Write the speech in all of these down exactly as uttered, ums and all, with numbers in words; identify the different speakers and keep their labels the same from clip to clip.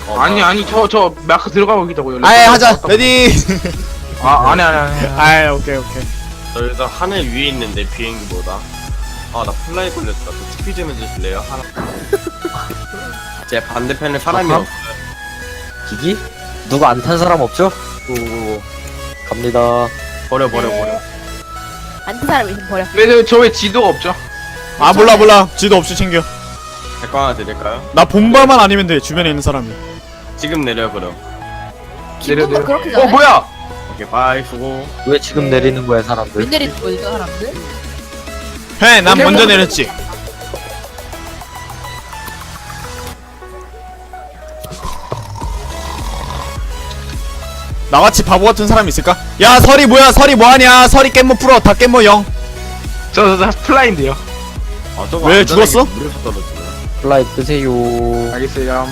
Speaker 1: 어,
Speaker 2: 아니
Speaker 1: 나-
Speaker 2: 아니 저 저 마크 들어가고 있다고요.
Speaker 3: 아예 하자. 레디.
Speaker 2: 아 아니 아니 아니. 아니.
Speaker 3: 아예 오케이 오케이.
Speaker 1: 저 여기서 하늘 위에 있는데 비행기보다. 아 나 플라이 걸렸다. 저 티피 좀 해주실래요? 하나. 제 반대편에 사람이
Speaker 4: 아하.
Speaker 1: 없어요.
Speaker 4: 기기? 누가 안 탄 사람 없죠? 오, 갑니다.
Speaker 1: 버려 버려 버려.
Speaker 5: 안튼 사람 있으면 버려.
Speaker 2: 근데 저 왜 지도가 없죠?
Speaker 3: 아 몰라 몰라. 지도 없이 챙겨.
Speaker 1: 제거 하나 드릴까요?
Speaker 3: 나 본발만 아니면 돼. 주변에 있는 사람이.
Speaker 1: 지금 내려 그럼.
Speaker 2: 내려,
Speaker 5: 기분도
Speaker 2: 내려.
Speaker 5: 그렇게
Speaker 2: 어
Speaker 5: 잘해?
Speaker 2: 뭐야?
Speaker 1: 오케이 바이 수고.
Speaker 4: 왜 지금 내리는 거야, 사람들?
Speaker 5: 왜 내리는 거지 저 사람들?
Speaker 3: 해. 난 먼저 내렸지. 나같이 바보 같은 사람 있을까? 야 설이 뭐야? 설이 뭐하냐? 설이 깻모 풀어. 다 깻모 영.
Speaker 2: 저 저 플라인데요.
Speaker 1: 아 저거
Speaker 3: 왜
Speaker 1: 안전하게
Speaker 3: 죽었어?
Speaker 1: 물에서 떨어지네.
Speaker 4: 플라이 끄세요.
Speaker 2: 알겠어요.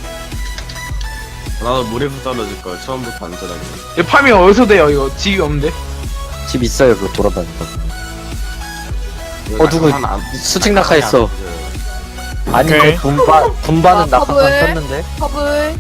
Speaker 1: 나도 물에서 떨어질 걸 처음부터 안전하게.
Speaker 2: 이 파밍 어디서 돼요? 이거 집이 없는데?
Speaker 4: 집 있어요, 그거 돌아다니는 거. 어, 누구 수직 낙하했어. 아니,
Speaker 3: 오케이.
Speaker 4: 그 분바, 분바는
Speaker 5: 아,
Speaker 4: 낙하산
Speaker 5: 퍼블.
Speaker 4: 켰는데?
Speaker 5: 컵을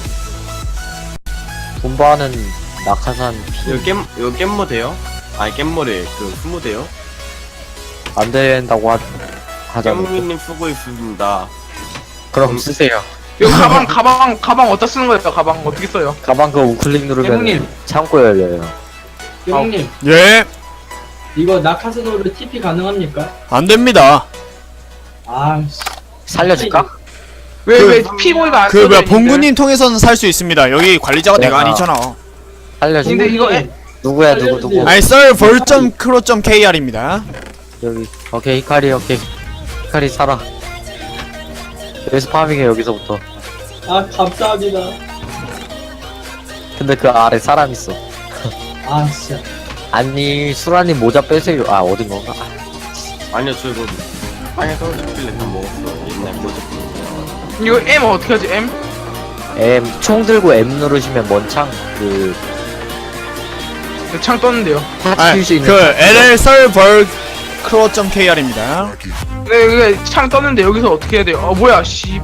Speaker 4: 분바는 낙하산 피.
Speaker 1: 이거 겜 이거 겜모 돼요? 아니 겜모래 그 스무 돼요?
Speaker 4: 안 된다고 하, 하자고.
Speaker 1: 겜모님 쓰고 있습니다.
Speaker 4: 그럼 쓰세요.
Speaker 2: 이거 가방 가방 가방 어디다 쓰는 거예요? 가방 어떻게 써요?
Speaker 4: 가방 그 우클릭 누르면
Speaker 6: 형님.
Speaker 4: 창고 열려요.
Speaker 6: 형님,
Speaker 3: 예.
Speaker 6: 이거 낙하산으로 티피 가능합니까?
Speaker 3: 안 됩니다.
Speaker 6: 아, 씨.
Speaker 4: 살려줄까?
Speaker 2: 왜
Speaker 3: 그-
Speaker 2: 왜 피고이가 안
Speaker 3: 그 뭐야
Speaker 2: 써져 있는데?
Speaker 3: 봉구님 통해서는 살 수 있습니다. 여기 관리자가 내가
Speaker 4: 내가-
Speaker 3: 아니잖아.
Speaker 4: 살려줄까?
Speaker 2: 근데 이거 애-
Speaker 4: 누구야, 누구, 누구?
Speaker 3: 아니 썰.크로.kr입니다.
Speaker 4: 여기. 오케이, 히카리, 오케이. 히카리 살아. 여기서 파밍해, 여기서부터.
Speaker 6: 아, 감사합니다.
Speaker 4: 근데 그 아래 사람 있어.
Speaker 6: 아, 진짜.
Speaker 4: 아니, 수라님 모자 빼세요. 아, 어딘 건가? 아,
Speaker 1: 아니요 저 이거 땅에 떨어졌길래 다 먹었어. 옛날 모자.
Speaker 2: 이거 M 어떻게 하지? M?
Speaker 4: M, 총 들고 M 누르시면 먼창, 그,
Speaker 2: 창 떴는데요.
Speaker 4: 타치
Speaker 3: 아니,
Speaker 4: 킬수 있는.
Speaker 3: 그 엘엘 썰벌 크로.kr입니다.
Speaker 2: 네, 그게 창 떴는데 여기서 어떻게 해야 돼요? 어 뭐야? 씨.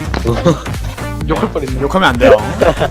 Speaker 2: 욕할 뻔했네.
Speaker 3: 욕하면 안 돼요.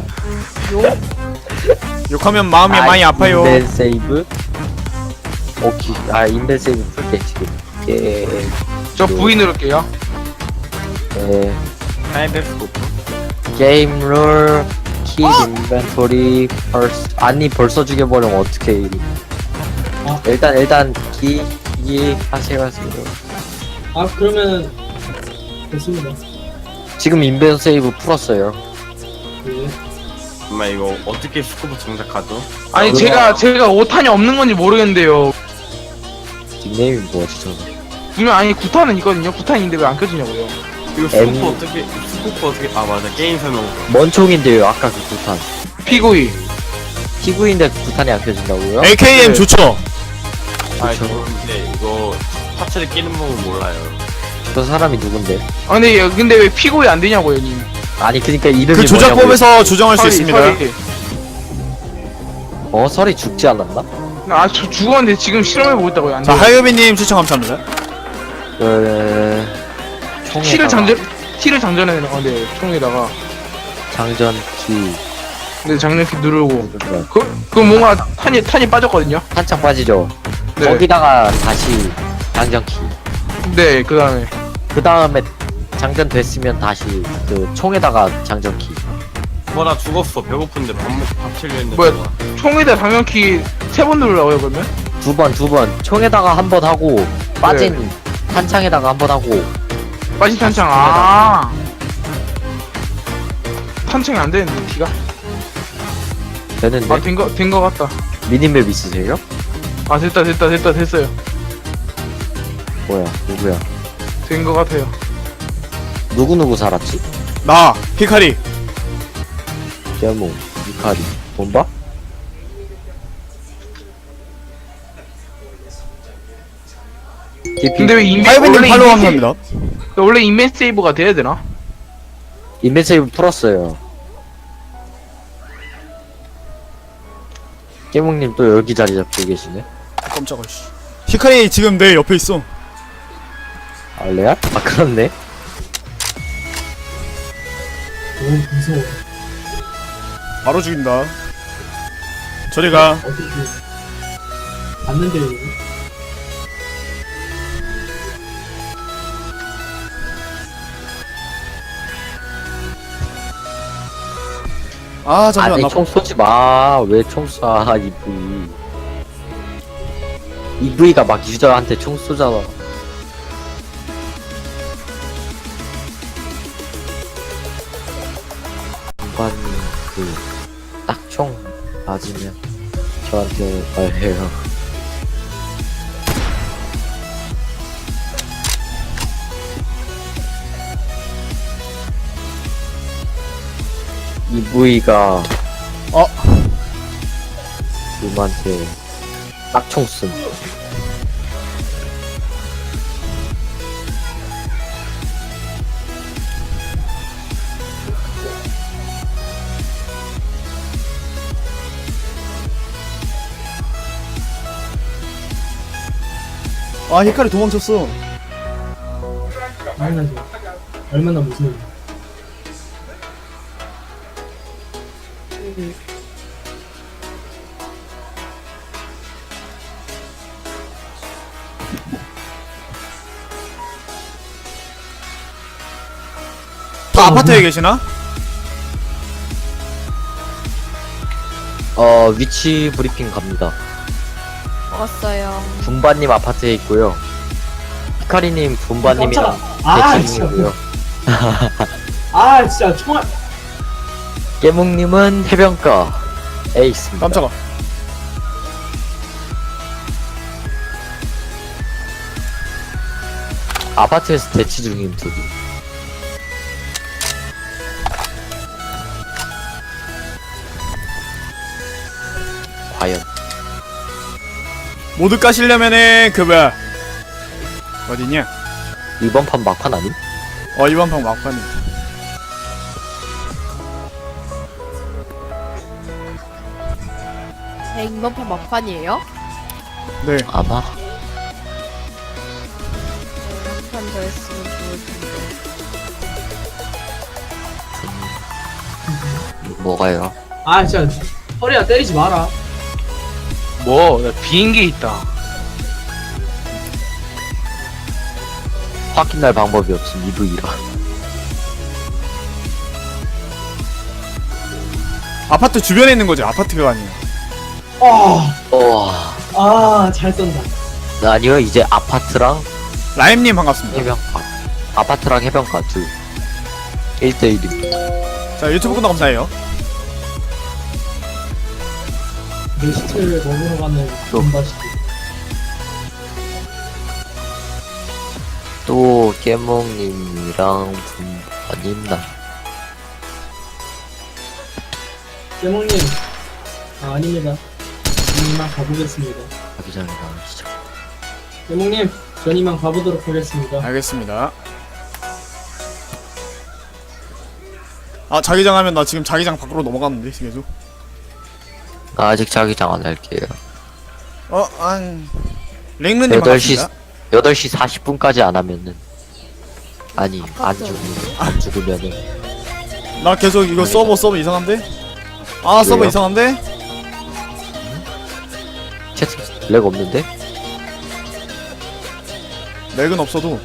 Speaker 3: 욕하면 마음이 많이 아파요.
Speaker 4: 인벤 세이브? 오케이. 아, 인벤 세이브 풀게, 지금. 예,
Speaker 2: 저 V 누를게요.
Speaker 4: 예.
Speaker 1: 하이베스코프.
Speaker 4: 게임 룰, 키 인벤토리, 벌써, 아니, 벌써 죽여버리면 어떡해.
Speaker 6: 아.
Speaker 4: 일단, 일단, 키, 키, 하세요, 하세요.
Speaker 6: 아, 그러면은, 됐습니다.
Speaker 4: 지금 인벤 세이브 풀었어요.
Speaker 6: 예.
Speaker 1: 정말 이거 어떻게 스코프 장착하죠?
Speaker 2: 아니
Speaker 4: 그거-
Speaker 2: 제가 제가 오탄이 없는 건지 모르겠는데요.
Speaker 4: 닉네임이 뭐지, 저거?
Speaker 2: 분명 아니 구탄은 있거든요. 구탄인데 왜 안 켜지냐고요.
Speaker 1: 이거
Speaker 4: M-
Speaker 1: 스코프 어떻게 스코프 어떻게 아 맞아 게임 설명서.
Speaker 4: 뭔 총인데요, 아까 그 구탄.
Speaker 2: 피고이.
Speaker 4: 티구인데 구탄이 안 켜진다고요?
Speaker 3: 에이케이엠
Speaker 2: 네.
Speaker 3: 좋죠.
Speaker 1: 아
Speaker 4: 그쵸.
Speaker 1: 그런데 이거 파츠를 끼는 법은 몰라요.
Speaker 4: 저 사람이 누군데?
Speaker 2: 아 근데 얘- 근데 왜 피고이 안 되냐고요, 님.
Speaker 4: 아니, 그니까 이름이
Speaker 3: 그 조작법에서 조정할 수 있습니다.
Speaker 2: 설이.
Speaker 4: 뭐냐고요? 어, 설이 죽지 않았나?
Speaker 2: 아저 죽었는데 지금 실험해보고 있다고요. 안
Speaker 3: 자
Speaker 2: 돼.
Speaker 3: 하유비님 추천 감사합니다.
Speaker 4: 그... 총에다가
Speaker 2: 티를 장전 티를 장전해 놔. 네, 총에다가.
Speaker 4: 장전키.
Speaker 2: 근데 장전키 누르고.
Speaker 4: 그래.
Speaker 2: 그, 그 뭔가 탄이 탄이 빠졌거든요.
Speaker 4: 한창 빠지죠?
Speaker 2: 네.
Speaker 4: 거기다가 다시 장전키.
Speaker 2: 네, 그 다음에.
Speaker 4: 그 다음에 장전됐으면 다시 그 총에다가 장전키.
Speaker 1: 뭐나 죽었어 배고픈데 밥 먹고 밥 치려 했는데.
Speaker 2: 뭐야? 총에다 장전키 세 번 누르라고요, 그러면?
Speaker 4: 두 번, 두 번. 총에다가 한 번 하고, 빠진 탄창에다가 한 번 하고.
Speaker 2: 빠진 탄창. 아. 탄창이 안 되는데 티가?
Speaker 4: 되는데?
Speaker 2: 아, 된 거 된 거 같다.
Speaker 4: 미니맵 있으세요?
Speaker 2: 아, 됐다, 됐다, 됐다, 됐어요.
Speaker 4: 뭐야, 누구야?
Speaker 2: 된 거 같아요.
Speaker 4: 누구누구 살았지?
Speaker 3: 나 히카리.
Speaker 4: 개모, 이카리, 본바?
Speaker 2: 근데 왜 인벤
Speaker 3: 하유비님
Speaker 2: 원래
Speaker 3: 팔로우
Speaker 2: 인벤 세이브-
Speaker 3: 감사합니다.
Speaker 2: 원래 인벤 세이브가 돼야 되나?
Speaker 4: 인벤 세이브 풀었어요. 깨몽님 또 여기 자리 잡고 계시네?
Speaker 3: 깜짝아 씨. 히카리 지금 내 옆에 있어.
Speaker 4: 아, 레알? 아, 그렇네.
Speaker 6: 너무 무서워.
Speaker 3: 바로 죽인다. 저리가.
Speaker 6: 어떻게 봤는데 이거?
Speaker 3: 아 잠시만
Speaker 4: 아니
Speaker 3: 나
Speaker 4: 총 쏘지 마. 왜 총 쏴? 이브이. 이브이가 막 유저한테 총 쏘잖아. 공관님 그딱 총 맞으면 저한테 말해요. 이브이가
Speaker 3: 어?
Speaker 4: 님한테 딱총 씀.
Speaker 3: 아 히카리 도망쳤어.
Speaker 6: 당연하지. 얼마나 무서워.
Speaker 3: 다 아파트에 계시나?
Speaker 4: 어 위치 브리핑 갑니다.
Speaker 5: 먹었어요.
Speaker 4: 분바님 아파트에 있고요. 히카리님 분바님이랑
Speaker 6: 깜짝아. 아,
Speaker 4: 대치
Speaker 6: 진짜.
Speaker 4: 중이고요.
Speaker 6: 아, 진짜 총알.
Speaker 4: 깨묵님은 해변가에 있습니다.
Speaker 3: 깜짝아.
Speaker 4: 아파트에서 대치 중인 둘이. 과연
Speaker 3: 모두 까시려면은 그 뭐야 어디냐?
Speaker 4: 이번 판 막판 아님?
Speaker 3: 어 이번 방 막판이.
Speaker 5: 네, 이번 판 막판이에요?
Speaker 3: 네.
Speaker 4: 아마
Speaker 5: 한 판 더 했으면 좋을 텐데.
Speaker 4: 뭐가요?
Speaker 6: 아, 진짜. 허리야, 때리지 마라.
Speaker 2: 뭐, 나 비행기 있다.
Speaker 4: 확인할 방법이 없음. 이브이라.
Speaker 3: 아파트 주변에 있는 거지. 아파트가 아니에요.
Speaker 6: 아,
Speaker 4: 와.
Speaker 6: 아, 잘 쏜다.
Speaker 4: 아니요, 이제 아파트랑
Speaker 3: 라임님 반갑습니다.
Speaker 4: 해변가. 아파트랑 해변가 둘. 일 대 일입니다.
Speaker 3: 자 유튜브 구독 감사해요.
Speaker 6: 내 시체를 먹으러 가는
Speaker 4: 또.
Speaker 6: 돈바시티.
Speaker 4: 또 깨몽님이랑 분바님 나.
Speaker 6: 깨몽님. 아, 아닙니다. 전 이만 가보겠습니다.
Speaker 4: 자기 전에 나오시죠.
Speaker 6: 깨몽님, 전 이만 가보도록 하겠습니다.
Speaker 3: 알겠습니다. 아 자기장 하면 나 지금 자기장 밖으로 넘어갔는데 계속.
Speaker 4: 나 아직 자기장 안 할게요.
Speaker 3: 어, 안 랭르님
Speaker 4: 여덟 시
Speaker 3: 반갑습니다.
Speaker 4: 여덟 시 사십 분까지 안 하면은 아니 안 죽으면 안 죽으면은
Speaker 3: 나 계속 이거 서버 서버 이상한데? 아 서버
Speaker 4: 왜요?
Speaker 3: 이상한데?
Speaker 4: 채팅 렉 없는데?
Speaker 3: 렉은 없어도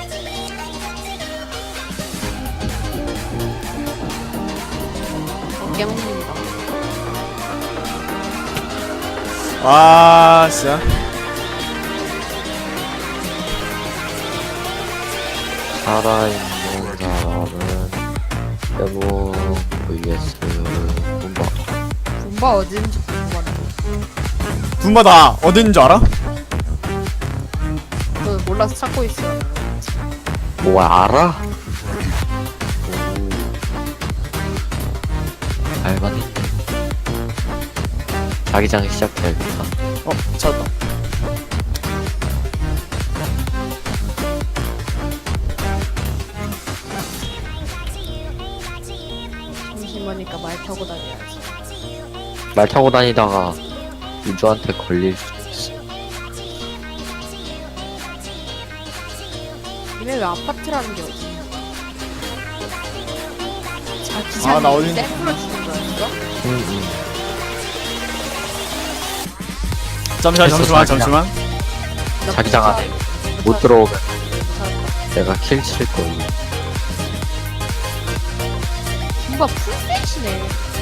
Speaker 5: 어, 깨먹는다.
Speaker 3: 아 진짜
Speaker 4: 살아있는 사람은 여보 vs 분바.
Speaker 5: 분바 어딘지 궁금하네.
Speaker 3: 분바 나 어딘 줄 알아?
Speaker 5: 저 몰라서 찾고 있어요.
Speaker 4: 뭐 알아? 알바네. 자기장 시작해야겠다.
Speaker 3: 어 찾았다.
Speaker 5: 심심하니까 말 타고 다녀야지.
Speaker 4: 말 타고 다니다가 유저한테 걸릴 수도 있어.
Speaker 5: 니네 왜 아파트라는 게 어디? 자기 기차는
Speaker 3: 아, 나 어딘-
Speaker 5: 셀프로 죽은 거였어?
Speaker 4: 응,
Speaker 3: 잠시만
Speaker 4: 됐어,
Speaker 3: 잠시만
Speaker 4: 자기장.
Speaker 3: 잠시만.
Speaker 4: 응. 자기장 안에 못 들어오면 내가 킬 칠 거야.
Speaker 5: 뭔가 풀셋이네.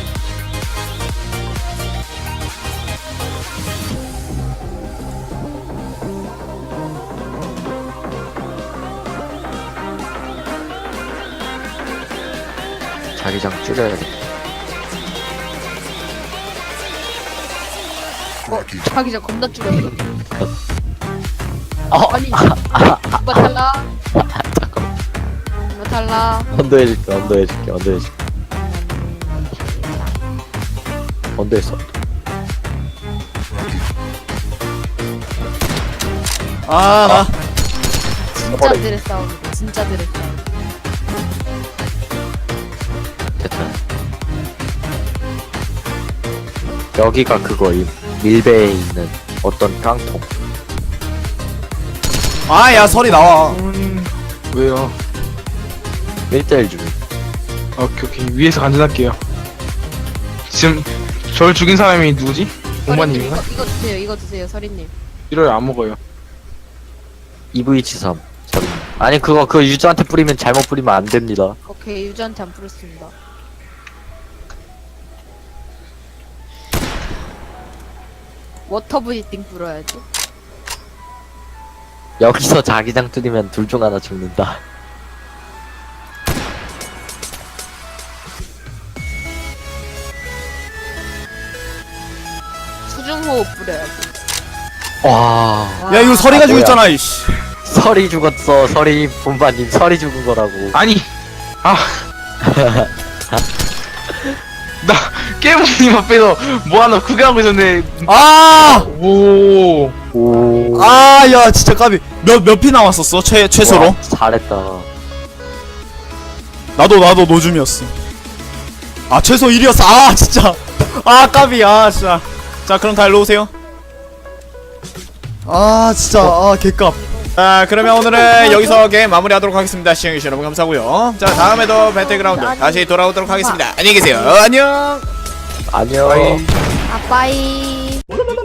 Speaker 4: 자기장 줄여야겠다.
Speaker 5: 어, 자기장 겁나 줄였어.
Speaker 4: 어,
Speaker 5: 아니, 누가 달라?
Speaker 4: 잠깐만.
Speaker 5: 누가 달라?
Speaker 4: 언더해줄게, 언더해줄게, 언더해줄게. 언더했어.
Speaker 3: 아 나.
Speaker 5: 진짜들의 싸움이다. 진짜들의 싸움.
Speaker 4: 됐다. 여기가 그거임. 밀배에 있는 어떤 깡통.
Speaker 3: 아야 설이 나와.
Speaker 2: 음, 왜요?
Speaker 4: 일 대일 중.
Speaker 2: 오케이 오케이 위에서 간전할게요. 지금 저를 죽인 사람이 누구지?
Speaker 5: 서리님
Speaker 2: 공마님인가?
Speaker 5: 이거, 이거 드세요. 이거 드세요. 서리님.
Speaker 2: 이럴 안 먹어요.
Speaker 4: 이브이칠삼. 저리. 아니, 그거, 그거 유저한테 뿌리면 잘못 뿌리면 안 됩니다.
Speaker 5: 오케이 유저한테 안 풀었습니다. 워터 브리딩 불어야지.
Speaker 4: 여기서 자기장 뚫리면 둘 중 하나 죽는다.
Speaker 5: 수중호흡 뿌려야지.
Speaker 4: 와.
Speaker 3: 야 이거 설이가
Speaker 4: 아,
Speaker 3: 죽였잖아 이씨.
Speaker 4: 설이 죽었어. 설이, 분바님 설이 죽은 거라고.
Speaker 2: 아니 아. 나 깨모님 앞에서 뭐 하나 구경하고 있었는데
Speaker 3: 아!
Speaker 2: 오
Speaker 4: 오.
Speaker 3: 아, 야, 진짜 까비. 몇, 몇 피 남았었어? 최, 최소로?
Speaker 4: 와, 잘했다.
Speaker 3: 나도, 나도 노줌이었어. 아, 최소 일이었어. 아, 진짜. 아, 까비. 아, 진짜. 자, 그럼 다 일로 오세요. 아, 진짜. 아, 개값. 자, 그러면 오늘은 여기서 게임 마무리하도록 하겠습니다. 시청해주신 여러분 감사하고요. 자, 다음에도 배틀그라운드 다시 돌아오도록 하겠습니다. 안녕히 계세요. 안녕!
Speaker 4: 안녕.
Speaker 2: 아이.
Speaker 5: 아빠이.